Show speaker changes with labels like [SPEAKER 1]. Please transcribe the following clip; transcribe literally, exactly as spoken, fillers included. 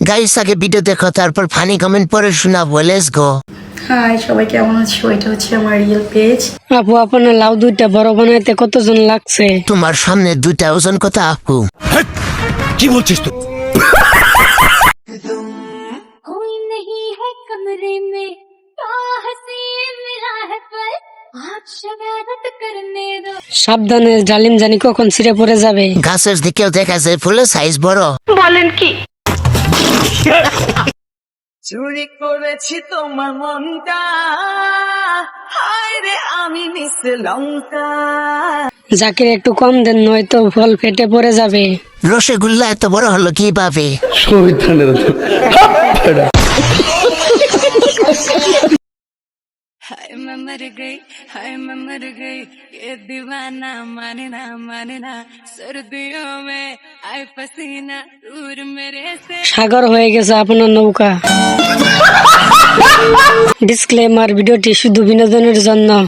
[SPEAKER 1] Guys আগে video দেখো, তারপর ফানি কমেন্ট পরে শোনাবো। Let's go.
[SPEAKER 2] হাই সবাই, কেমন আছো? এটা হচ্ছে আমার রিয়েল পেজ।
[SPEAKER 3] আপু, আপনার লাউ দুইটা বড় বানাইতে কতজন লাগছে?
[SPEAKER 1] তোমার সামনে দুইটা ওজন কথা আপু।
[SPEAKER 4] কি বলছিস তুই?
[SPEAKER 5] कोई नहीं है कमरे में तो हंसी मिला है पर आज शरारत करने दो।
[SPEAKER 3] সাবধানে, জালিম জানি কখন ছিঁড়ে পড়ে যাবে।
[SPEAKER 1] গাছের দিকেও দেখা যায় ফুলের সাইজ বড়।
[SPEAKER 6] চুরি করেছি তোমার মনটা, হায় রে আমি মিশে লঙ্কা।
[SPEAKER 3] জাকির একটু কম দেন, নয়তো ফল ফেটে পড়ে যাবে।
[SPEAKER 1] রসগোল্লা এত বড় হলো কিভাবে?
[SPEAKER 5] हाय मैं मर गई, हाय मैं मर गई, ये दीवाना माने ना माने ना, सर्दियों में आए पसीना दूर मेरे से।
[SPEAKER 3] সাগর হয়ে গেছে আপনার নৌকা। ডিসক্লেমার, ভিডিওটি শুধু বিনোদনের জন্য।